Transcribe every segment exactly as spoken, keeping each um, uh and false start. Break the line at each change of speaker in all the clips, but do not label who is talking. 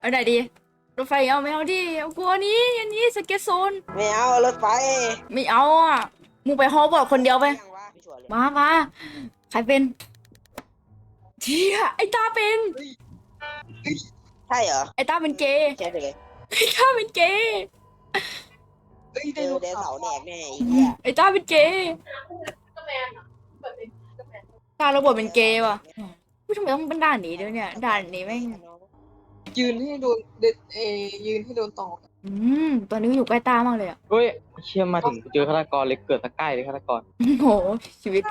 เอาไหนดีรถไฟเอาไม่เอาดิเอากลัวนี้อันนี้สเก็ตโซน
ไม่เอารถไฟ
ไม่เอาอ่ะมึงไปฮอลบอกคนเดียวไป
ยังวะไม่ชัวร์เลย
มามาใครเป็นเที่ยไอ้ตาเป็น
ใช่เหรอ
ไอ้ตาเป็นเกย์
ใช่เลย
ไอ้ตาเป็นเกย์
เจอเดนเสาร์แดกแน่ไอ้เหี้ย
ไอ้ตาเป็นเกย์ตาระบบเป็นเกย์ว่ะทำไมต้องเป็นด่านนี้ด้วยเนี่ยด่านนี้แม่ง
ยืนให้โดนเดเอยืนให้โดนตอก
อืมตอนนี้อยู่ใกล้ตามากเลยอ่ะ
เฮ้ยเชื่อมาถึงเจอฆาตกรเลยเกิดตะใกล้เลยฆาตกร
โอ้โหชีวิต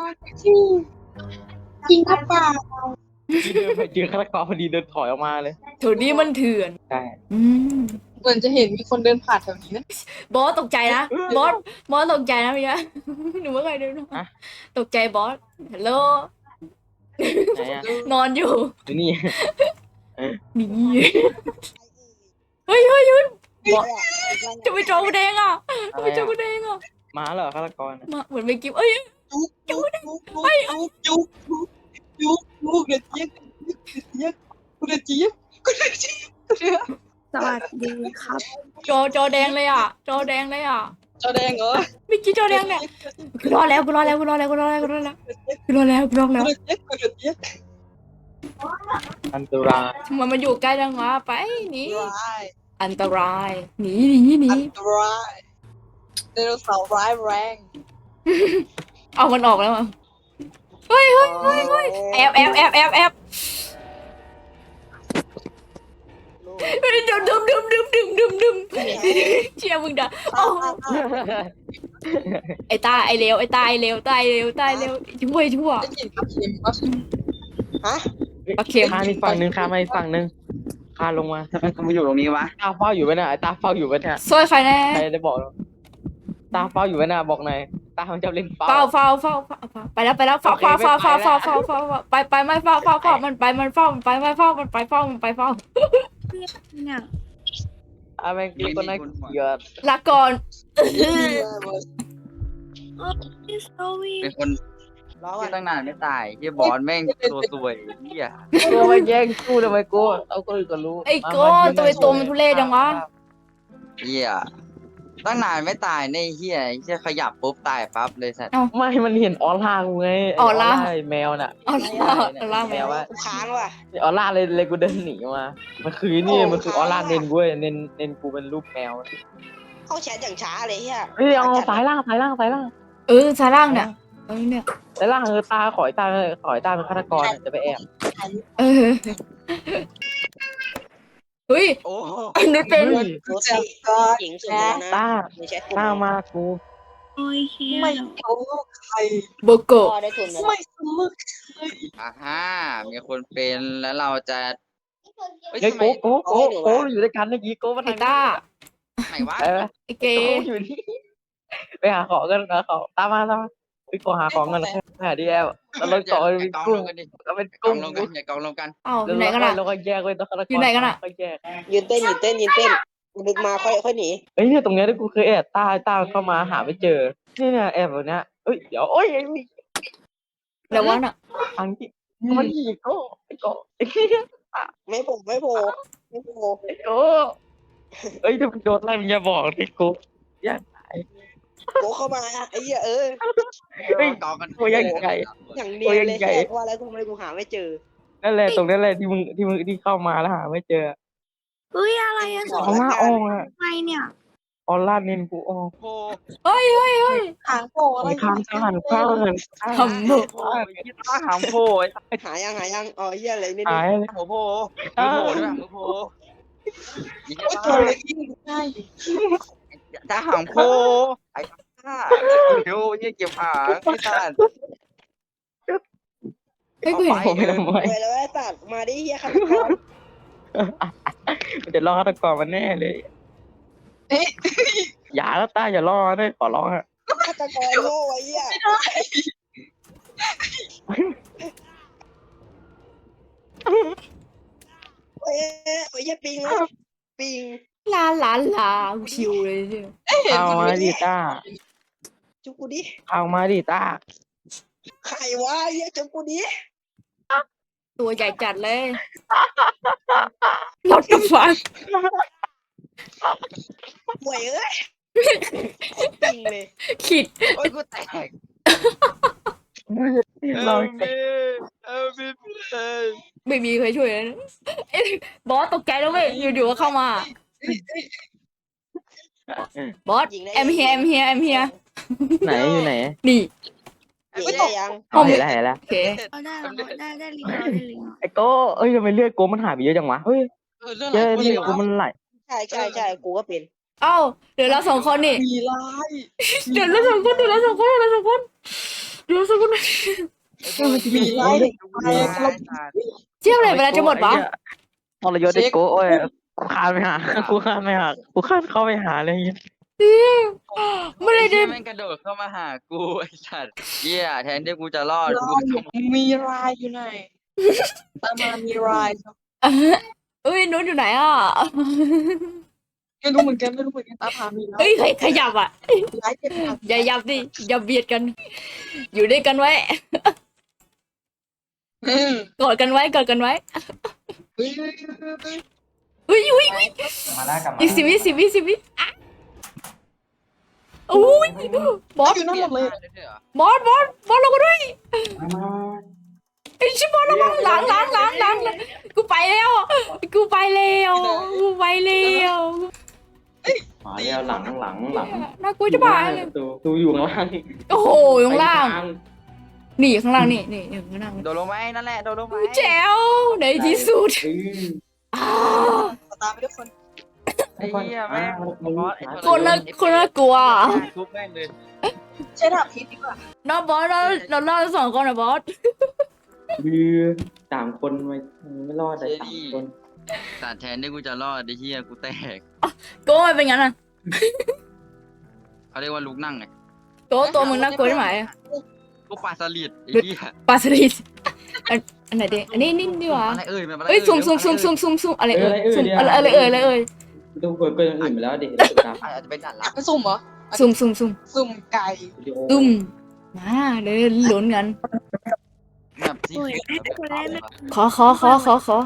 จริงครับป่า
ที่เดินไปเจอฆาตกรพอดีเดินถอยออกมาเลย
แถวนี้มันเถื่อน
ใช่
อืม
เหมือนจะเห็นมีคนเดินผ่านแถวนี้นะ
บอสตกใจนะบอสบอสตกใจนะพี่นะหนูว่าไงดูนะตกใจบอสฮัลโหล
ไหนอ่ะ
นอนอยู่
ดูนี่
นี่เฮ้ยเฮ้ยเฮ้ยจะไปโจมแดงอ่ะ
อะไร
ไปโจม
อ่ะ
แดงอ่ะ
มาเหรอฆาตกร
มาเหมือนไปกิฟเอ้ย
จุกจุกจุกจุกจุกจุกจุกเด็ดเจี๊ยบเจี๊ยบกูเด็ดเจี๊ยบกูเด็ดเจี๊ยบกูเด็ด
สวัสดีครับ
จอจอแดงเลยอ่ะจอแดงเลยอ่ะ
จอแดงเหรอ
เมื่อกี้จอแดงเนี่ยกูรอแล้วกูรอแล้วกูรอแล้วกูรอแล้วกูรอแล้วกูรอแล้วกูรอแล้ว
กูเด็ดเจี๊ยบกูเด็ดเจี๊ยบ
อันตราย
ทำไมมันอยู่ใกล้จังวะไปหนี
ร้าย
อันตรายหนีหนีหนี
อันตรายไดโนเสาร์ร้ายแรง
เอามันออกแล้วมั้งเฮ้ยเฮ้ยเฮ้ยเฮ้ยแอบแอบแอบแอบแอบเฮ้ยดึมดึมดึมดึมดึมดึมดึมเชียร์มึงด่าโอ้ไอ้ตาไอ้เลวไอ้ตาไอ้เลวตายเลวตายเลวช่วยชั่ว
ได้ยินปลาเค็มปะ
ฮะ
โอเค
ข้ามอีกฝั่งหนึ่งข้ามมาอีกฝั่งหนึ่งข้ามลงมา
ทำไมกูมาอยู่ตรงนี้วะ
ตาเฝ้าอยู่ไหมน่ะไอ้ตาเฝ้าอยู่ไหมน่ะ
ช่วยใครแน่
ใครได้บอกเราตาเฝ้าอยู่ไหมน่ะบอกหน่อยตามันจะเล่นเฝ้า
เฝ้าเฝ้าเฝ้าเฝ้าเฝ้าไปแล้วไปแล้วเฝ้าเฝ้าเฝ้าเฝ้าเฝ้าเฝ้าเฝ้าเฝ้าไปไปไม่เฝ้าเฝ้าเฝ้ามันไปมันเฝ้ามันไปไม่เฝ้ามันไปเฝ้ามันไปเฝ้า
เนี่ย
อ่ะแม่งคือคนนั้นเกลียด
ลาก่อน
พี่สวี
เป็นคน
ร้อง
ที่
อ่ะ
ตั้งนานไม่ตายที่บอลแม่งตัวสวยเฮีย
ตัวมาแย่งกูทำไมกูเอาคนอื่นก็รู้
ไอ้โก้ตัวไอ้ตัวมันทุเรศจังวะ
เฮียตั้งนานไม่ตายในเฮียเฮียขยับปุ๊บตายปั๊บเลยสัตว์
ไม่มันเห็นออร่ากูไง
ออร่า
ไอ้แมวน่ะ
เอาล่าเอาล่า
แมวว่า
กูค้างว่ะ
ออร่าเลยเลยกูเดินหนีมา มันคือนี่มันคือออร่าเน้นกูเว้ยเน้นเน้นกูเป็นรูปแมว
เข้าแชทอย่างช้าเลยเฮีย
เฮ้ยเอาสายล่างสายล่างสายล่าง
เออซาร่างเนี่ยเออเนี่ย
สายล่างเออตาขอยตาขอยตาเป็นฆาตกรจะไปแอบ
เออเฮ้ย
โอ้โห
อันนี้เป็น
เฮ้ย
รถสีหญิงสุดเลยนะ
ตา
ในแชทกู
ตามากู
โอ้ยเฮีย
ไม่เขาใคร
โบโก
พอได้ทุนแล้ว
ไม่สมึก
อ่าฮะมีคนเป็นแล้วเราจะเฮ้ย
เฮ้ย
ทำไม
โก้โก้โก้โก้อยู่ด้วยกันเมื่อกี้โก้มา
ไอ้
ทาง
ต้า
ไหนวะ
เออ
ไอ้เก
โก้อยู่นี่ไปหาของกันหาของตามมาตามมาไปขอหาของกันหาดีแอลแล้วเราต่อ
อย่า
เป็น
กอง
กุ้
ล
ง
งกันดิ
แล้วเป็น
กอ
กุ้
ง
ง
ลงกันอย่ากองลงกัน
เอ้าอยู่ไหนกันล่ะ
เราก็แยกไว้ตัวฆาตกร
อยู่ไหนกันอะ
ก็แยก
ยืนเต้นยืนเต้นยืนเต้นดึกมาค่อยค่อยหนี
เอ้ยเนี่ยตรงเนี้ยที่กูเคยแอบตาตาเข้ามาหาไม่เจอนี่เนี่ยแอบแบบเนี้ยเอ้ยเดี๋ยวโอ้ยไอ้นี่
แล้ววะน่ะ
ทางที่มันอีกโก้ไอ้โก้ไอ้เหี้ย
ไม่โผล่ไม่โผล่ไม่โผล่
ไอ้โก้เอ้ยถ้ามันโดนไล่มันอย่าบอกดิโก้อย่า
โผล่เข้ามาไอ้เหี้ยเออ
เฮ้ย
กองกัน
โก้ยังไง
อย่างเนียนเลยแค่ว่าแล้วทำไมกูหาไม่เจอ
นั่นแหละตรงนั้นแหละที่มึงที่มึงที่เข้ามาแล้วหาไม่เจอ
เฮ้ยอะไรอะส
อ
อ
องร่าอองอะ
ไงเนี่ย
ออร่าเน้นกูออก
โอ้
เฮ้ยเฮ้ยเฮ้ย
หางโผล่อะไร
ไปข้ามข้ามข้าม
ทำหมด
โหยี่ต้าหามโพย
หายังหายังอ๋อเหี้ยอะไรนี่
หายเลย
หัวโพมือโพด้วยมือโพยี่
โอ้ย
ต้า
ตัวเล็กยิ่งง่าย
ถ้าหางโพไอ้ต้าเดี๋ยวยี่เก็บหางไอ้ต้า
เฮ้ยกูเห็น
ผมไม่ทำไม
เว้ยแล้วไอ้สัตว์มาดิเหี้ยฆาตกร
มันจะล่อฆาตกรมันแน่เลยอย่าแล้วตาอย่าล่อด้วยขอร้องอะ
ฆาตกรโง่ไอ้เหี้ยเอ้ยไอ้เหี้ยปิงนะปิง
ลาลาลาชิวเลยเนี่ย
เอามาดิตา
จุกกูดิ
เอามาดิตา
ใครวะไอ้เหี้ยจุกกูดิ
ตัวใหญ่จัดเลย What the fuck
ห่วยเอ้ยจริงเลย
ขิด
โอ้ยกูแตก
เรา
เอลมีเพื่อน
ไม่มีใครช่วยเลยนะเอ้ยบอสตกใจแล้วเว้ยอยู่ๆก็เข้ามา บอส
ยิงได้
แอมเฮียแอมเฮียแอมเฮีย
ไหนอยู่ไหน
นี่
ยิงได้ยัง
เอาเห็นแล้วเห็นแล้ว
โอเค
เอาได้แล้วได้ได้ลิงเอาได้ลิงเอา
ไอ้โก้เอ้ยทำไมเลือดโกมันหายไปเยอะจังวะเฮ้ย
เออเรื่อง
เจ
อะไร
อ
กู
เลื
เล
อด
ย
โกมันไหล
ใช่ใช่ใช่กูก็เป็น
เอ้าเดี๋ยวเราสองคนนี่
มีร้าย
เดี๋ยวเราสองคนเดี๋ยวเราสองคนเดี๋ยวเราสองคนเดี๋ยวเราสองคน
มีร้าย
ไอ้
อะไร
สั
เรา
ตว์
เจี๊ยบอะไรเวลาจะหมดวะ
ทรยศไอ้โก้โอ้ยกูคานไปหากูคานไปหากูคานเข้าไปหาเลย
ไม่ได้
ไอ้
ดิ
เหี้ยแม่งกระโดดเข้ามาหากูไอ้สัตว์เหี้ยแทนที่กูจะรอดกูต้อง
มีรายอยู่ไหนตามมามีราย
เอ้ยนุ้นอยู่ไหนอ่ะ
ไม่รู้เหมือนกันไม่รู้เหมือนกันตามหามีราย
เอ้ยใครขยับอ่ะ
ร้ายเจ็บหนัก
อย่ายับดิอย่าเบียดกัน อยู่ด้วยกันไว้
อืม
กอดกันไว้กอดกันไว้
เฮ้ยเฮ้ยเฮ้ยเฮ้ย
อุ้ยอุ้ยอุ้ย
มาแล้วกลับมา
อีกสิบวิสิบวิสิบวิอ่ะอุ้ยบอส
อยู่นั่นหมดเลย
บอสบอสบอสเราก็ด้วยไอ้ชิบอสระวังหลังหลังหลังหลังกูไปแล้วกูไปแล้วกูไปแล้ว
มาแล้วหลังหลังหลัง
น่ากลัวจะบายเลย
ตูตูอยู่ข้างล่าง
โอ้โหอยู่ข้างล่างนี่ข้างล่างนี่นี่อยู่ข้างล่าง
โดนลงไหมนั่นแหละโดนลงไหม
แจ๋วในที่สุด
เออ
อ้าว
ตามไปด้วยคน
ไอ้เหี้ยแม่งบอสไอ้
คนน่าคนน่ากลัว
ทุบแม่งเลย
ใช้ดาบพิษดีกว่า
น้องบอสเราเราเล่าสองคนนะบอส
คือสามคนไม่ไม่รอดเลยสามคน
สัตว์แทนที่กูจะรอดไอ้เหี้ยกูแตก
โก้เป็นงั้นอ่ะ
เขาเรียกว่าลุกนั่งไง
โก้ตัวมึงน่ากลัวใช่ไหม
กูปลาสลิดไอ้เหี้ย
ปลาสลิดอันอันไหนดิอันนี้นี่ดีกว่า
อะไรเอ่ยมันอะไร
เอ้ย
เอ่ย
ซุ่มซุ่มซุ่มซุ่มซุ่มซุ่มอะไรเอ่ยซุ่มอะไรอะไรเอ่ยอะไรเอ่ย
ดูเปิดเปิดอย่างอื่นไปแล้วดิตาม
อาจจะเป็นด่าน
อ
ลั
ยา
บ
กไปสุ่มเหรอ
ซุ่มซุ่มซุ่ม
สุ่มไก่
วิดีโอ
ซุ่มมาเดี๋ยวลุ้นกัน
แบบที่
โอ้ยคนแรกไม่
ขอขอขอขอขอ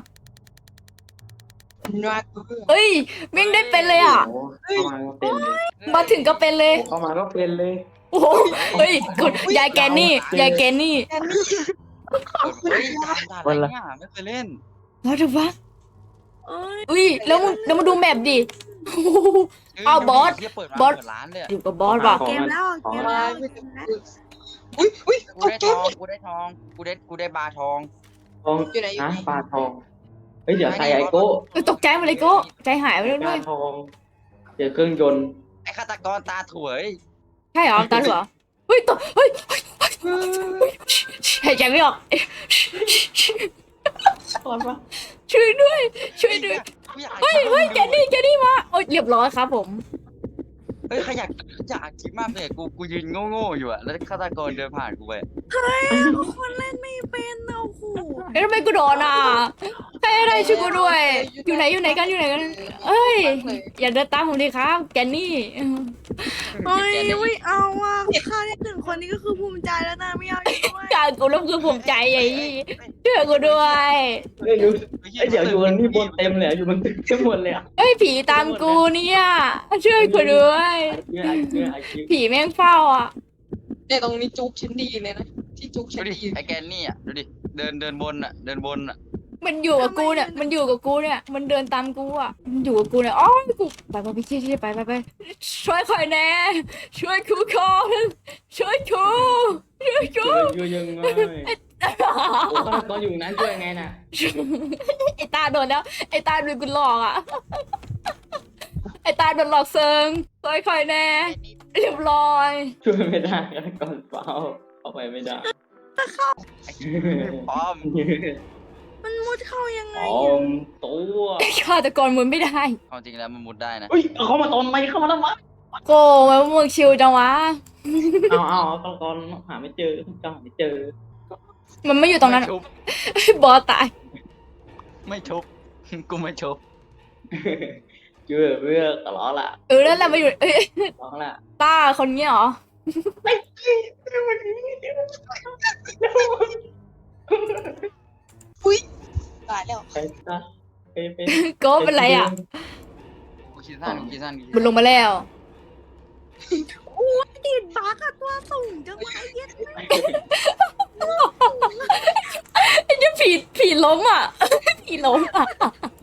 น่ากลัว
เอ้ยมิ่งได้เป็นเลยอ่ะ
เข้ามาก็เป็นเลย
มาถึงก็เป็นเลย
เข้ามาก็เป็นเลย
โอ้โหเฮ้ยกดยายแกนนี่ยายแกนนี่
แค่นี้
เฮ้ยด่านด่านอะไรเนี่ยไม่เคยเล่น
ว่าถูกปะ
โอ้ย
อุ้ยแล้วมึงแล้วมาดูแมปดิโอ้โห เอาบอส
เปิด
บอส
เปิดร้านเลย
อยู่กับบอสว่ะ
เกมแล้วเกมแล้วเกมแล้ว
อุ้ยอุ้ย
กู
ตก
ได้
ใจ
ทองกูได้ทองกูได้กูได้บาร์ทอง
ทอง
อยู่ไหนอยู่
นะ
ไหน
ปลาทอง เฮ้ยเดี๋ยวใส่ไอโก้
เออตกใจหมดเลยโก้ใจหายไปเลย
ป
ด้
ลา
วย
ทอง เจอเครื่องยนต์
ไอ้ฆาตกรตาถวย
ใช่เหรอตาเหรอเฮ้ยตกเฮ้ยเฮ้ยเฮ้ยหายใจไม่ออกช่วยด้วย ช่วยด้วยเฮ้ยเฮ้ยแกนี่แกนี่มาโอ้ยเรียบร้อยครับผม
เฮ้ยขยักอยากคิดมากเลยกูกูยืนโง่ๆอยู่อะแล้วฆาตกรเดินผ่านกูไป
คนเล่นไม่เป็นนะโอ้โห
เอ้ยทำไมกูโดนอ่ะใครอะไรช่วยกูด้วย อยู่ไหนอยู่ไหนกันอยู่ไหนกันเอ้ยอย่าเดินตามผมดิครับแกนี่
เฮ้ยไม่เอาอ่ะค่าได้หนึ่งคนนี้ก็คือภูมิใจแล้วนะไม่เอาอีกด้วย
การกูรับคือผมใจไอ้ช่วยกูด้วย
เฮ้ยดูเฮ้ยเดี๋ยวอยู่กันที่บนเต็มเลยอะอยู่บนตึกเต็มหมดเลยอ่ะ
เฮ้ยผีตามกูเนี่ยช่วยกูด้วย
ไอคิวไอคิวไอคิว
ผีแม่งเฝ้าอ่ะ
เนี่ยตรงนี้จุกชั้นดีเลยนะที่จุก
ดู
ชั้น
ดิ
ดี
ไอ้แกนนี่อะดูดิเดินเดินบนอะเดินบนอะ
มันอยู่กับกูเนี่ยมันอยู่กับกูเนี่ยมันเดินตามกูอ่ะมันอยู่กับกูเนี่ยอ๋อกูไปไปไปเชี่ยไปไปไปช่วยคอยแน่ช่วยกูก่อนช่วยกูช่วยกู
อยู่ยังไงโอ้ฆาตกรอยู่นั้นช่วยไงน่ะ
ไอ้ตาโดนแล้วไอ้ตาโดนกูหลอกอ่ะไอ้ตาโดนหลอกเซิงช่วยคอยแน่เรียบร้อย
ช่วยไม่ได้ฆาตกรเฝ้าเข้าไปไม่ได้
พร้อม
มันมุดเข้ายังไง
ออมตัว
ฆาตกรมึงไม่ได้
ความจริงแล้วมันมุดได้นะ
เฮ้ยเขามาตอนไหมเข้ามาแล้วมั้ย
โกไว้ว่ามึงชิวจังวะ
เอาเอาฆาตกรหาไม่เจอจ้าไม่เจอ
มันไม่อยู่ตรงนั้น
ไม่ชุบบ
อสตาย
ไม่ชุบกูไม่ชุบ
เชื่อเพื่อตลอดละ
เออนั่นแหละมาอยู่เอ้ย
ตลอดละ
ตาคนเนี้ยเหรอ
เ
ตายแล้ว
ไปซะไปไป
โกเป็นไรอ่ะ
กูคิดสั้นกูคิดสั้นกูคิด
มันลงมาแล้ว
ติดบักอะตัวสูงจังวะไอ้เหี้ย
ไอ้เจ้าผีผีล้มอ่ะ ผีล้มอ่ะ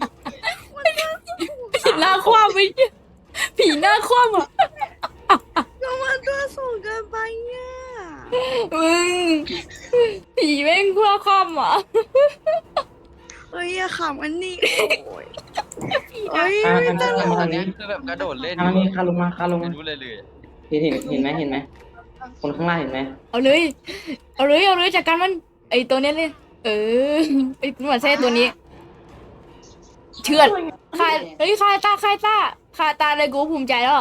ผีหน้าคว่ำไปผีหน้าคว่ำอ่ะ
ก็มันตัวสูงเกินไปเนี่ย
มึงผีแม่งคว่ำคว่ำอ่ะ
เฮ้ยอย่าขำอันนี้โอ้ยเฮ้ย
อ่า
ไม่
ทาง
ตล
นี้
ก
ทางนี้
คือแบบกระโดดเล่น
ทางนี้คาลงมาคาลง
ไม่
มา
รู้เลยเลย
เห็นเห็นเห็นไหมเห็นไหมคนข้างล่างเห็นไหม
เอาเลย เอาเลย เอาเลยจากการมัน ไอตัวเนี้ยเลย เออไอหนวดแท้ตัวนี้ เชื่อดคายเฮ้ยคายตาคายตาคายตาเลยกูภูมิใจแล้ว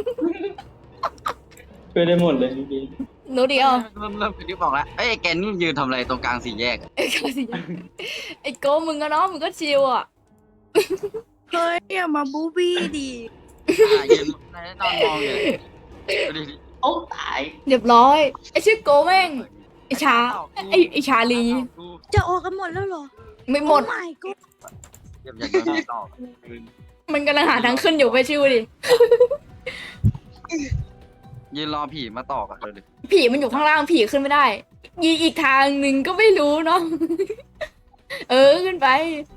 ช่วยได้หมดเลยจริง
หนูดิเอา
เริ่มเริ่มคิดบอกแล้วเอ้ยแกนี่ยืนทำอะไรตรงกลางสี่แยกอะ
ไอ้ก็สิไอ้โกมึงก็เนาะมึงก็ชิวอ่ะ
เฮ้ยอย่ามาบูบี้ดิ
อ่ะยืนนอนมองอยู่ดูดิ
ๆโอ้ตาย
เรียบร้อย ไอ้ชื่อโกแม่ง ไอ้ชา ไอ้ไอ้ชาลี
จะออกกันหมดแล้วเหรอ
ไม่หมด
ไม่ก็
เก็บอยากโดนตอก
มันกำลังหาทางขึ้นอยู่ไปชิวดิ
ยืนรอผีมาตอกอะเลย
ผีมันอยู่ข้างล่างผีขึ้นไม่ได้ ยีอีกทางหนึ่งก็ไม่รู้เนาะ เออขึ้นไป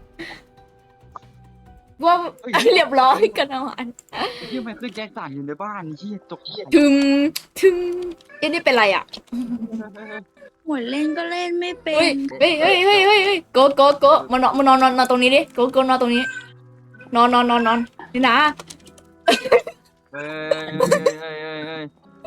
ว่าเรียบร้อยกันเอาอัน
ที่มันคือแจ็คสันอยู่ในบ้านที่ตกเหี้ย
ถึงถึงเอ้นี่เป็นไรอ่ะ
หัวเล่นก็เล่นไม่เป็
เฮ้ย
น
เฮ้ยเฮ้ยเฮ้ยเฮ้ยเฮ้ยโกโกโกมานอนมานอนนอนนอนตรงนี้ดิโกโกนอนตรงนี้ นอนนอนนอนนอนนี่นะ
เฮ้ยเฮ้ยเฮ้ยเฮ้ยเฮ้ย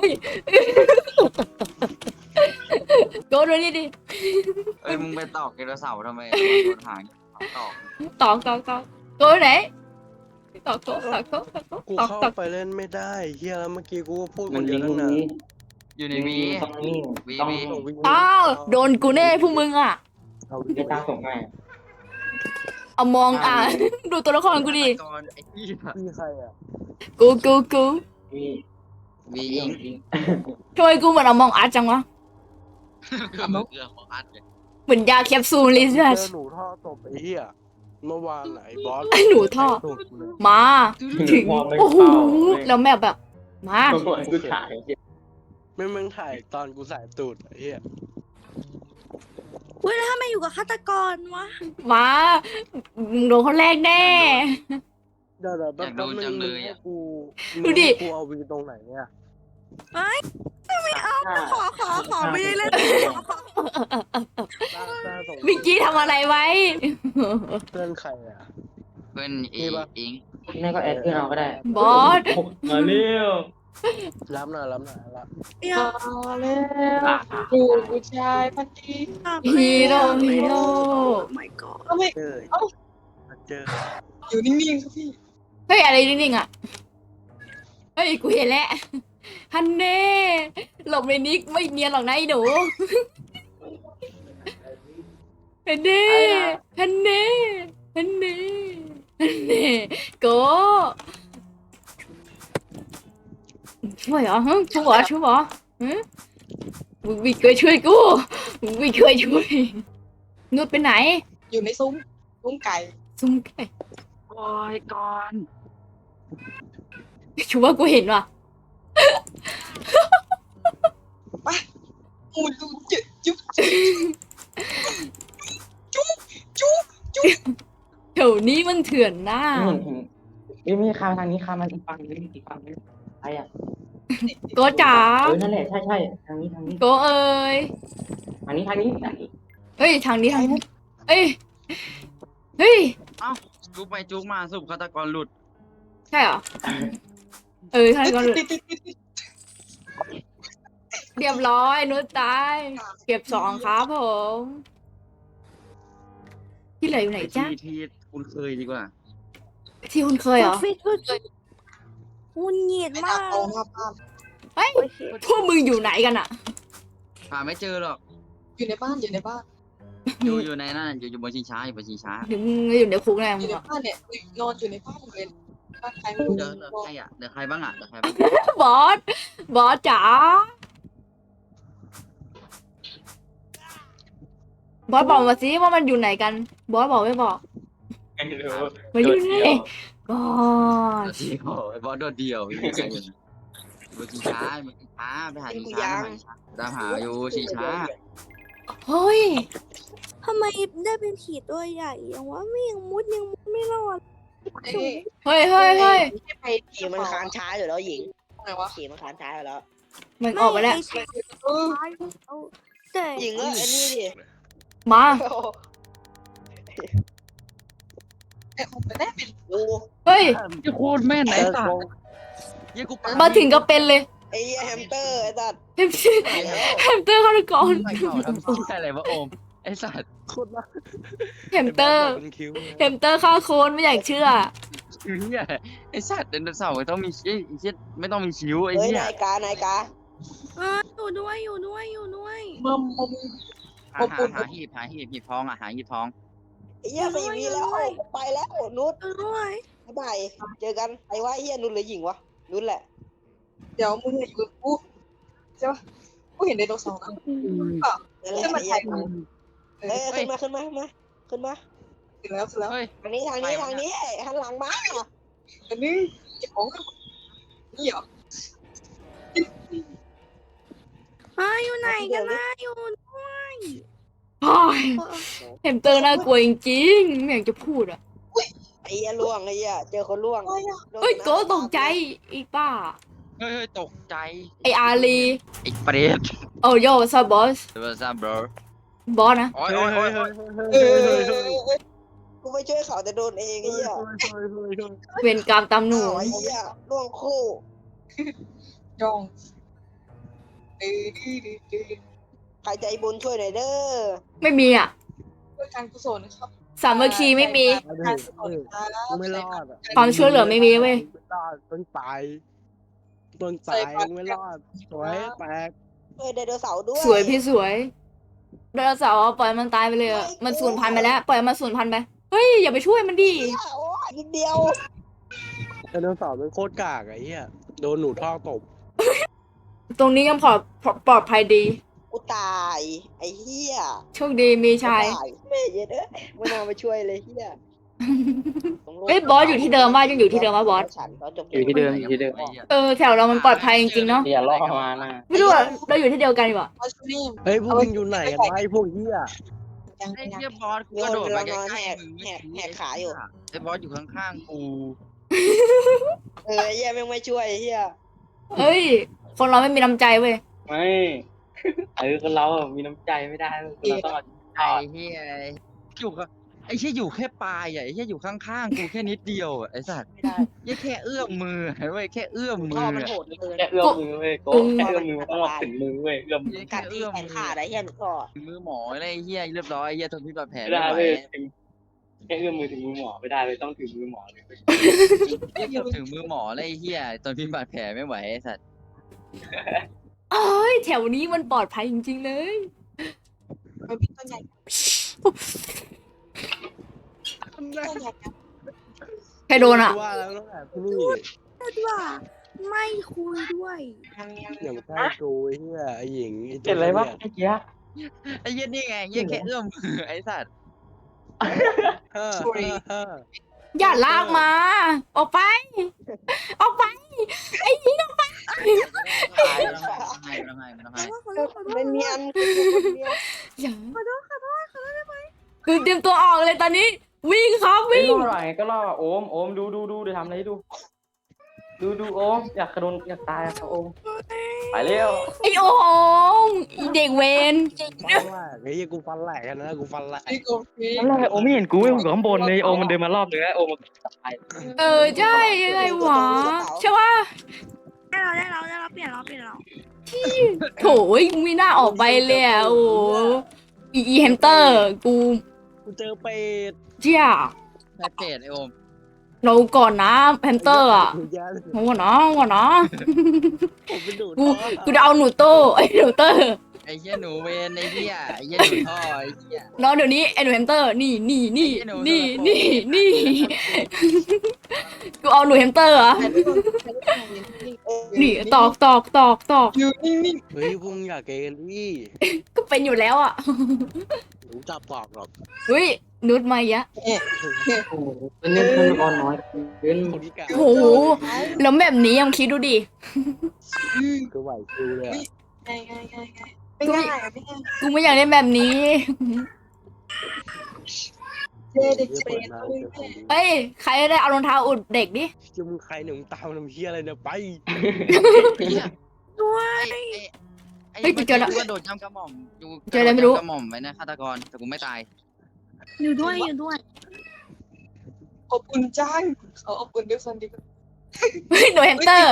โกดูนี่ดิ
เอ้ยมึงไปตอกไดโนเสาร์ทำไมโดนหางตอก
ตอกตอกตอกโกไหนตอกโกตอกโกตอกโก
กู
ตอก
เข้า
ตอก
ไปเล่นไม่ได้เฮียแล้วเมื่อกี้กูก็พูดค
มัน
นเดี
ยิ
ยว
ง
ตั้ง
ตรง
นาน
นี้
อยู่ในวี
ต้องนิ่ง
วี
ต้อง
วี
เอาวิ่ง
อ้าวโดนกูแน่พวกมึงอ่ะ
เอาวิ่ง
ไม่ตาส่งให้
เอามองอ่ะ ดูตัวละครกูดิ
ก่อนไอ้ที่
มีใครอ่ะ
กูกูกู
มี
วี
ยิ
อิ
ง
ง
ยิง
ทำไมกูเหมือนเอามองอาร์ตจังวะ
คือมือเกลือของอัดเลย
เหมือนยาแคปซูลเลย
เจ
สั
อ
ส
หนูท่อตบไอ้เฮียเมื่อวานไหนบอส
หนูท่อ
ตบกูเลย
มาถึง
มองไม่
โอ้โห
เข้า
แล้วแม่แบบ มา
ตัวกูถ่าย
ไม่มึงถ่ายตอนกูใส่ตูดไอ้เฮีย
เว้ยแล้วทำไมอยู่กับฆาตกรวะ
มามึงโดนคนแรกแน่
เดี๋ยวเดี๋ยวแป๊บนึงมึงให้กู
ดูดิ
กูเอาวีตรงไหนเนี่ย
ขอขอขอไม่ได้เล่น
ต้าต้าส่ง
เมื่อกี้ทำอะไรไว้
เพื่อนใครอ่ะ
เพื่อนอีอิง
แม่ก็แอดขึ้นเอาก็ได้
บอส
มาเร็ว
รับหน่อยรับหน่อยรับ
อย่า
กูผู้ชายพันดี
ฮีโร่ฮีโร่
ไม่ก็
ก็ไม่
เจอมาเจอ
อยู่นิ่งๆครับพี่
เฮ้ยอะไรนิ่งๆอ่ะ เฮ้ยกูเห็นแล้วฮันเน่หลบในนี้ไม่เนียนหรอกนะไอ้หนูฮันเน่ฮันเน่ฮันเน่ฮันเน่โกช่วยเหรอฮะช่วยเหรอช่วยเหรอฮะมึงไม่เคยช่วยกูมึงไม่เคยช่วยนุชไปไหน
อยู่ในซุ้มซุ้มไก่
ซุ่มไก่
โอ้ยก่อน
ชัวร์กูเห็นว่ะ
อูดูจุ๊บจุ๊บจุ๊บจุ๊บจุ๊บ
แถวนี้มันเถื่อนหน้า
เห็นเห็นไม่มีคาทางนี้คามันอีกฝั่งนึงอีกฝั่งนึงใครอ่ะ
โกจ๋า
เออนั่นแหละใช่ใช่ทางนี้ทางนี้
โกเอ้ย
ทางนี้ทางนี้ทางนี้
เอ้ยทางนี้ทางนี้เอ้ยเฮ้ย
จุกไปจุกมาสุบฆาตกรหลุด
ใช่เหรอเออทางนี้ก็
ติดติดติดติด
เรียบร้อยนุชตายเก็บสองครับผมที่เหลืออยู่ไหนจ๊ะ
ที่ที่คุณเคยดีกว่า
ที่คุณเคยเหรอ
ฟิตก็หุ่นเหยียด
ไม่
มา
น่าก โตมากมาก
เฮ้ยพวกมึงอยู่ไหนกันอะ
หาไม่เจอหรอก
อยู่ในบ้านอยู่ในบ้าน
อยู่อยู่ในนั่นอยู่อยู่บนชิงช้าอยู่บนชิงช้า
ถึงมึงอยู่ในคุกแน่
อ
มึ
ยู่
ง
ใน
อะ
บ้านเนี่ยนอนอยู่ในบ้านเลยบ้านใครไม่รู้
เดี๋ยวเดี๋ยวใครอ่ะเดี๋ยวใครบ้างอ่ะเดี๋ยวใครบ้าง
บอสบอสจ๋าบอสบอกมาสิว่ามันอยู่ไหนกัน บอสบอกไม่บอก
ไม่รู้
มันอยู่ไหนบอ
โด
ส
ดเดียวไอ้บอสโดดเดียวไม่มีใครอยู่บนชิงช้าบนชิงช้าไปหาชิงช้าตามหาอยู่ชิงช้า
เฮ้ย
ทำไมได้เป็นผีตัวใหญ่ยังว่าไม่ยังมุดยังมุดไม่รอด
เอ้ย
เฮ้ยเฮ้ยเฮ้ย
ไปขี่มันค้างช้าอยู่แล้วหญิง
อะไรวะ
ขี่มันค้างช้าอยู่แล้ว
มันออกไปแล้ว
ไม่ใช่
เออ
เอาแต่
หญิงก็ไอ้นี่ดิ
มา
ไอ้คงไปได้เป็น
ดู
เฮ้ย
ยี่โคตรแม่นไอ้สัตว์ยี่กู
มาถึงก็เป็นเลย
ไอ้เหี้ยแฮมสเตอร์ไอ้สัตว์
แฮมสเตอร์แฮมสเตอร์เข้าไปก่อน
ไม่เข่าทำที่อะไรวะโอมไอ้สัตว์
แฮมสเตอร์แฮมสเตอร์ฆ่าโคนไม่อยากเชื่อ
เหี้ยไอ้สัตว์ไดโนเสาร์ต้องมีไอ้เหี้ยไม่ต้องมีคิ้วไอ้
เฮ้ย
เหี้ย
นายกานายกา
เอออยู่ด้วยอยู่ด้วยอยู่ด้วย
มัมมัม
หาหาหาหีบหาหีบหีบทองอ่ะหาหีบทอง
ไอ้เหี้ยสี่วีแล้วไปแล้วนุช
อยู่ด้วย
บ๊ายบายเจอกันไอ้ว่าไอ้เหี้ยนุชหรือหญิงวะนุชแหละ
เดี๋ยวมึงอยู่กับกูใช่ปะกูเห็นไดโนเสาร์นะเปล่า
นั่นแหละ
ขึ้นมา
ไอ้
ถ่าย
เหี้ย
กู
เอ้ยขึ้นมาขึ้นมาขึ้นมาขึ้นมา
เสร็จแล้วเสร็จแล้ว
เฮ้ย
ทางนี้ทางนี้ทางนี้หันหลังมา
อันนี้เก็บของนี่เหรอ
เฮ้ยอยู่ไหนกันนะอยู่ด้วย
โอ้ยแฮมสเตอร์น่ากลัวจริงๆไม่อยากจะพูดอ่ะ
ไอ้เหี้ยล่วงไอ้เหี้ยเจอคนล่วง
เฮ้ยโกตกใจอีป้า
เฮ้ยเฮ้ยตกใจ
ไออารี
ไอ้เปรต
โอ้โย่ซาบอส
เดี๋ยวซัมบร
บอสนะ
โอ้ยโอ้ยโอ้ยโอ้ย
เออ
กูไปช่วยเขาแต่โดนเองไอ้เหี้ย
เวรกรรมตามหนู
อ้าวไอ้เหี้ยล่วงคู่
จองเอ้ยดีดีดี
ใครใจบุญช่วยหน่อยเด้อ
ไม่มีอ่ะ
ด้วยการกุศลนะครับ
สามัคคีไม่มี
การกุศลครับ
ไม่รอดอ่ะ
ความช่วยเหลือไม่มีเว้ย
ไม่รอดต้นตายต้นตายไม่รอดสวยแตก
เฮ้ยไดโนเสาร์ด้วย
สวยพี่สวยไดโนเสาร์ปล่อยมันตายไปเลยอะมันสูญพันธุ์ไปแล้ว ปล่อยมันสูญพันธุ์ไป เฮ้ยอย่าไปช่วยมันดิ
เหี้ยโอ้ยนิดเดียว
ไดโนเสาร์มันโคตรกากอะไอ้เหี้ยโดนหนูท่อตบ
ตรงนี้ยังปลอดปลอดภัยดี
กูตายไอ้เหี้ย
โชคดีมีชาย
ตายแม่เย็ดเอ้ยไม่น่ามาช่วยเลยเหี้ย
เฮ้ยบอสอยู่ที่เดิมว่ายังอยู่ที่เดิมว่าบอส
ฉันตอนจบ
อยู่ที่เดิมอยู่ที่เดิม
เออแถวเรามันปลอดภัยจริงๆเนาะ
อย่าล่อมานะ
ไม่รู้อะเราอยู่ที่เดียวกันดีกว่า
เอาชุดนี้
เฮ้ยพวกมึงอยู่ไหนกันวะไอ้พวกเหี้ย
ยัง
ไอ้
ยัง
เหี้ยบอสกูกระโดดมาใกล้ๆมึงไอ้บอสอยู่ข้างๆกู
เออไอ้เหี้ยแม่งไม่ช่วยไอ้เหี้ย
เฮ้ย คนเราไม่มีน้ำใจเว้ย
ไม่เออคนเราอะมีน้ำใจไม่ได้คนเราต้องเอา
ไอ้เหี้ยอยู่กับไอ้เหี้ยอยู่แค่ปลายอ่ะไอ้เหี้ยอยู่ข้างๆกูแค่นิดเดียวอ่ะไอ้สัตว์
ไม่ได้
เหี้ยแค่เอื้อมมือเว้ยแค่เอื้อมมื
พ่อ
อ
มัน
อะ
โหดเกิน
แค่เอื้อมมือเว้ยโก้แค่เอื้อมมือมันต้องมาถึงมือเว้ยเอื้อมมือ
กัดที่แขนขาดไอ้เหี้ยหนูก็
ถึงมือหมออะไรเหี้ยเรียบร้อยเหี้ยทนพิษบาดแผล
ไม่
ไม่
ได้
ไหว
เว้ยถึงแค่เอื้อมมือถึงมือหมอไม่ได้เว้ยต้องถึงมือหมอเลยเว้ย
เหี้ยเกือบถึงมือหมออะไรเหี้ยทนพิษบาดแผลไม่ไหวไอ้สัตว์
เอ้ยแถวนี้มันปลอดภัยจริงๆเลย
ไปพี่ต้นใหญ่ต้นใหญ่
ใครโดนอ่ะ
ว่าแล้วตั้งแต่ที่นี่
พูดว่าไม่คุยด้วย
ยังยัง
อย่างใกล้กูไอ้เหี้ยไอ้หญิงไอ้
เห็นอะไรวะไอ้เจี๊ย
ไอ้เหี้ยนี่ไงเหี้ยแค่เอื้อมมือไอ้สัตว์
เฮ้อเฮ้อเฮ้อ
อย่าลากมา ออกไป ออกไป ไอ้ยิงออกไป
ไม่ต้องให้ไม่ต้องให้ไม่ต้องให้
ขอโทษขอโทษ
เป็นเนียน
อย่าขอโทษขอโทษขอโทษได้ไหมคือเตรียมตัวออกเลยตอนนี้ วิ่งครับ
ไม่
วิ่ง
ล่อหน่อยก็ล่อโอมโอมดูดูดูเดี๋ยวทำอะไรให้ดู ดูดูโอมอยากกระโดนอยากตายอะโอมไปเร็ว
ไอ้โอ่งไอ้เด็กเวน
ฟันแหลกไอ้เหี้ยกูฟันแหลกกันนะกูฟันแหลก
พี่โกพี่
นั่นแหละโอมไม่เห็นกูเว้ยกูอยู่ข้างบนเลยโอมมันเดินมารอบนึงแล้วโอมมันตาย
เออใช่ยังไงวะใช่ว่า
ได้เราได้เราได้เราเปลี่ยนเราเปลี่ยนเรา
โถยกูไม่น่าออกไปเลยอ่ะโอ้โหอีอีแฮมสเตอร์กู
กูเจอเป็ด
เจ้า
แค่เจ็ดไอ้โอม
เราก่อนนะแฮมสเตอร์อ่ะ
กูแย่เลย
เอาก่อนนะเอาก่อนนะ
ผมไปดูด
กู
ท่อ
กูจะเอาหนูโต้ไอ้หนูเตอร์
ไอ้เหี้ยหนูเวนไอ้เหี้ยไอ้เหี้ยหนูท่อไอ้เหี้ย
น้องเดี๋ยวนี้ไอ้หนูแฮมสเตอร์นี่นี่นี่
ไอ้หนู
นี่
โดน
นี่นี่กูเอาหนูแฮมสเตอร์เหรอ่ะ
ใครไม่โดนใครไม่โดนนี่
นี่ตอกตอกตอกตอก
อยู่นิ่ง
เฮ้ยพวกมึงอยากเกย์กันดิ
ก็เป็นอยู่แล้วอ่ะ
โอ้ผมจับตอกหรอก
อุ้ยนุชมาอีกอะ
โอ้โหเป็นเล่นขั้นตอนน้อยเกิน
คนที่กา
โอ้โหแล้วแบบนี้ยังคิดดูดิ
ก็ไหวคิวเลยอะ
ไงไงไงไงไม่ง่ายอ่ะไม่ง่าย
กูไม่อยากเล่นแบบนี้
เจเด็ก
เหี้ย
เปร
เปิด
ต
หน้าเจอของดี
เอ้ยใครได้เอารองเท้าอุดเด็กดิ
จะมึงใครเนี่ยมึงตามน้ำเฮียอะไรเนี่ยไป
เหี้ย
ด้วย
ไอ้ไอ้
เฮ้ยกูเจอละ
กูกระโดดย่ำกระหม่อมกู
เจออะไรไม่รู้
กะโดดย่ำกระหม่อมไว้นะฆาตกรแต่กูไม่ตาย
อยู่ด้วยอยู่ด้วย
อบอุ่นจังเขาอบอุ่นด้วยคนดี
เฮ้ยหนูแฮมสเตอร์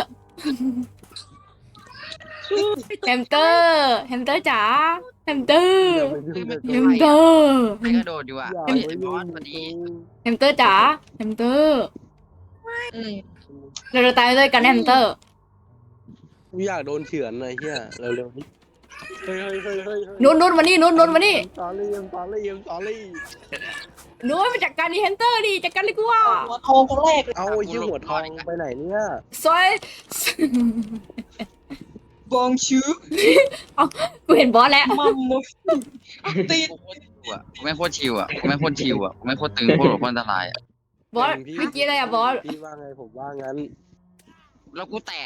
แฮมสเตอร์แฮมสเตอร์จ๋าแฮมสเตอร์
อย่าไปยุ่งกับ
แฮ
กู
มสเตอร์
ใครกระโดดอยู่อ่ะ
อย่า
เฮ้ย
ไป
ไอ้บ
ยุ่
อง ส
กับ
พอดี
กู
แฮมสเตอร์จ๋าแฮมสเตอร์
อืม
เราจะตายด้วยกันแฮมสเตอร์
กูอยากโดนเฉือนเลยเฮียเร็วๆเฮ้ยเฮ้ยเฮ้ยเฮ้ย
นุชนุชมานี่นุชนุชมานี่
สอรี่สอรี่สอรี่
นุชมาจัดการดีแฮมสเตอร์ดิจัดการเลยกูว่า
หัวทองคนแรกเลย
เอาไอ้ยี่หัวทองไปไหนเนี่ย
ซอย
บองชู
กูเห็นบอสแล้ว
มัมมุตี
กูโคตรชิวอ่ะกูไม่งโคตรชิวอ่ะกูไม่งโคตรชิวอ่ะกูไม่งโคตรตึงโคตรโคตรอันตรายอ่ะ
บอสเมื่อกี้อะไรอะบอส
พี่ว่าไงผมว่างั้น
แล้วกูแตก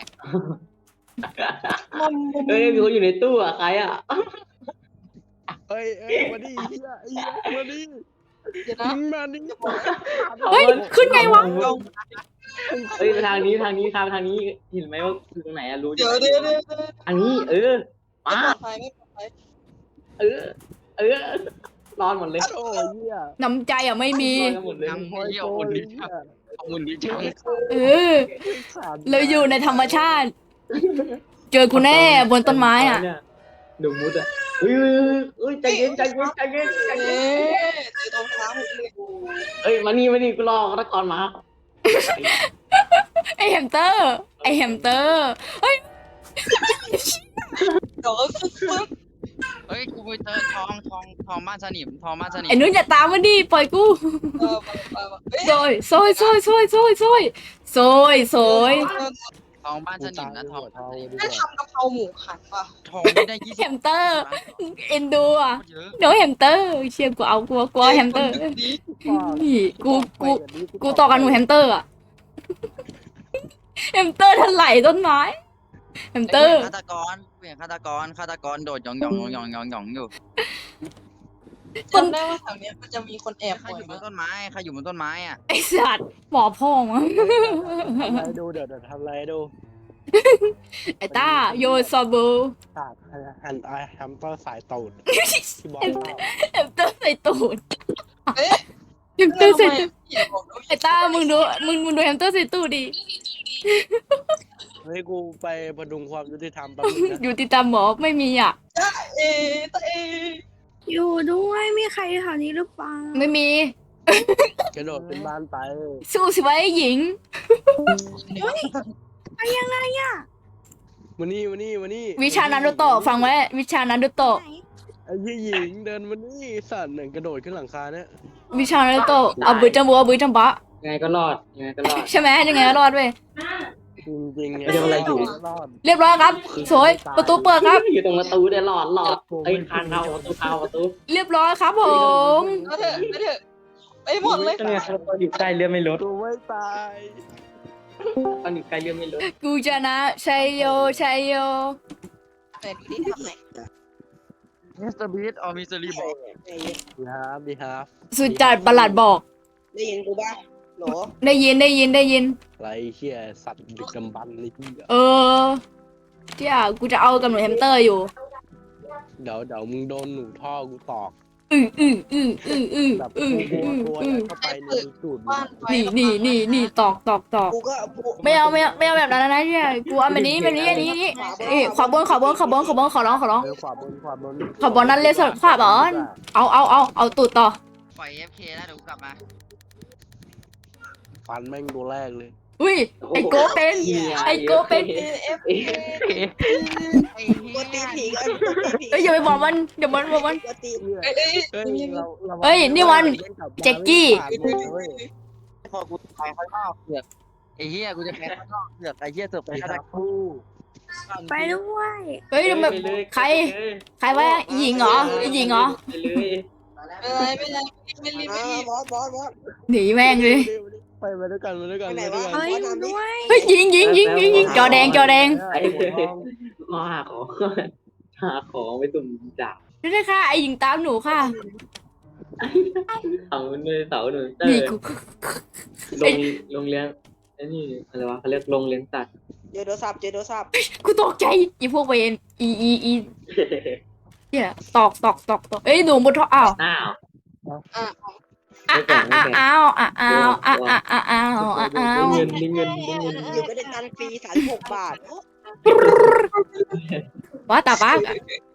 มัมมุ
เฮ้ยมีคนอยู่ในตู้อ่ะใครอ่ะ
เอ้ยเอ้ยมาดิเฮียไอ้เหี้ยมาดิ
เดี๋ยวนะ
มึงมาดิ
เฮ้ยขึ้นไงวะ
เฮ้ยทางนี้ทางนี้ทางทางนี้เห็นไหมว่าคือตรงไหนอะรู้
เดี๋ยวเดี๋ยวเดี๋ยวเดี๋ยว
ทางนี้เออ
ไม่
มา
ปลอดภัยไม่ปลอดภัย
เออ เออ นอนหมดเลย
โอ้ยเฮีย
น้ำใจอ่ะไม่มี
นอนกันหมดเลย
ทำ
โอ้ย
เหี้ย
โอ้
อุ่
ย
นดิ
เฮีย
อุ่นดิจัง
เออ
ขาด
เราอยู่ในธรรมชาติ เจอกูแน่บนต้นไม้อ่ะ
ดูมุดอ่ะเฮ้ยเฮ้ยใจเย็นใจเย็นใจเย็นใจ
เอ๊
เย็นะ
เจอตรงเท้าผมเลย
เอ้ยมานี่มานี่กูรอฆาตกรมา
ไอแฮมสเตอร์ ไอแฮมสเตอร์
เดี๋ยวปึ๊บปึ๊บ
เฮ้ยกูไปเจอทองทองทองบ้านสนิมทองบ้านสนิม
ไอนุ้นอย่าตามมันดิปล่อยกู
เออไปไปไปเอ้ย
ซอยซอยซอยซอยซอยซอยซอยซอย
ทองบ้านสนิมนะทอง
ทองดีก
ได้
ว่า
ทำกะเพราหมูหันป่ะ
ทองไม่ได้ยี่
แฮ
สิบ
มสเตอร์ เอ็นดูอ่ะ
เยอะ
เดี๋ยวแฮมสเตอร์ เชี่ยกูเอากูเอากูเอาแฮมสเตอร์นี่กูกูกูต่อกันหนูแฮมสเตอร์อ่ะแฮมสเตอร์ถลายต้นไม้แฮมสเตอร์
ฆาตกรเปลี่ยนฆาตกรฆาตกรโดดหยองหยองหยองหยองหยองอยู่
จำได้ว่าแถวเนี้ยมันจะมีคนแอบ
ใคร
บ่อ
อย ยู่บ
มาน ก
ต้นไม้ใครอยู่บนต้นไม้อ่ะ
ไอสัตว์หมอพ่อมั้ง
ทำอะไรดูเดี๋ยวเดี๋ยวทำอะไรดู
ไอต้าโยซาบู
ศาสตร์ฮันไอแฮมสเตอร์สายตูดที่บอกว่า
แฮมสเตอร์ใส่ตูด
เอ๊ะ
แฮมสเตอร์ใส่
ทำไม
ตูด
เขียนบอกว่า
ไอต้ามึงดูมึงมึงดูแฮมสเตอร์ใส่ตูดดิ
เฮ้ยกูไปพดุงความยุติธรรมแป๊บนึงนะ
อยู่ติดตามหมอไม่มีอ่ะ
เอ๊ะตะเอ๊ะ
อยู่ด้วยมีใครแถวนี้หรือเปล่า
ไม่มี
กระโดดขึ้นบ้านไป
สู้สิไว้หญิง
ไปยังไงอ่ะ
มานี่มานี่มานี่
วิชานารุโตะฟังไว้ วิชานารุโตะ
ไหน
ไอ้ยี่หญิงเดินมานี่สัตว์หนึ่งกระโดดขึ้นหลังคาเนี่ย
วิชานารุโตะเอาบือจัมบัวบือจัมบะ
ยังไงก็รอดยังไงก็รอด
ใช่ไหมยังไงก็รอดเว้ย
จริงจริงๆ
ไม่ได้อะไรอยู่
รอด
เรียบร้อยครับ สวยประตูเปิดครับ
อยู่ตรงประตูได้หลอดหลอดไอ้ยคานเข้าประตูเข้าประตู
เรียบร้อยครับผม
เอาเถอะไปเถอะไปหมดเลย
ก็เนี่ยเราอยู่ใกล้เรือไม่ลด
กูไม่ตาย
ตอนอยู่ใกล้เรือไม่ลด
กูชนะชัยโยชัยโย
แต่ดูดิทำไหน
มิสเตอร์บีทออมิสเตอร์รีบอก
ดีฮาร์ฟดีฮาร์ฟ
สุดจัดประหลัดบอก
ได้ยินกูป่ะโหล
ได้ยินได้ยินได้ยิน
ไรเชี่ยสัตว์ดึกดำบรรพ์เลยที่
เออเจ้ากูจะเอากับหนูแฮมสเตอร์อยู่
เดี๋ยวเดี๋ยวมึงโดนหนูท่อกูตอก
อืออืออืออืออือ
แบบ
อือ
ตัว
อือ
ตัว
อื
ยั
อ
ดเข้าไปในสูตร
บ้านไฟ
นี่นี่นี่นี่ตอกตอกตอก
กูก็กู
ไม่เอาไม่เอาไม่เอาแบบนั้นนะเนี่ยกูเอาแบบนี้แบบนี้อันนี้นี่เอ้ยขวาบนขวาบนขวาบนขวาบนขอร้องขอร้อง
เออขวาบนขวาบน
ขวาบนนั่นเลยสุดขวาบนเอาเอาเอาเอาตูดต่อ
ปล่อยเอฟเคแล้วเดี๋ยวกูกลับมา
ฟันแม่งตัวแรกเลย
อุ้ยไอโกเป็นไอโกเป็น
เอฟ
ไอ้เหี้
กูตี
ย
ผีกันกูตีผี
เอ้ยอย่าไปบอกมันเดี๋ยวมันบอกมัน
กูตี
เอ้ยเอ้ย
เฮ้ยเรารา
เฮ้ยนี่วันแจ็คกี้
พอกูตายข้างนอกเสือกไอ้เหี้ยกูจะแพ้ข้างนอกเสือกไอ้เหี้ยเสือกไป
ไป
ฆาต
หาก
ร
คู่
ไปด้วย
เฮ้ยทำไมใครใครวะอีหญิงเหรออีหญิงเหรอ
ไปเลย
อะไรไม่ได้ไม่รีบไม่
อ่า
รีบบ
อสบอสบอส
หนีแม่งเลย
ไปมาด้วยกันมาด้วยกัน
ไปไหน
มาด้วย
วะ
กัน
เฮ้ยอยู่ด้วย
เฮ้ยยิงยิงยิงยิงยิงจอแดงจอแดง
ไอ้มาหาของหาของไปตุ่มจับ
นี่เลยค่ะไอหญิงตามหนูค่ะ
เสาเลยเสาหนึ่งเตอ
นี่
ร์
กู
ลงลงเลี้ยงไอ้นี่อะไรวะเขาเรียกลงเลี้ยงสัตว์
เจอโทรศัพท์เจอโทรศัพท์
กูตกใจอีพวกเวนอีอีอีเนี่ยตอกตอกตอกตอกเอ้ยหนูบนท่ออ้าว
อ้าว
อ่ะ
อ้าวอ้าวอ้าวอ้าวอ้าวอ้าวอ้าวอ้าวอ้าวอ้าว
ได้เงินได้เงินได้เงิน
หรือไม่ได้ตังค์ฟรีสามสิบหกบาท
ว่าตาบ้า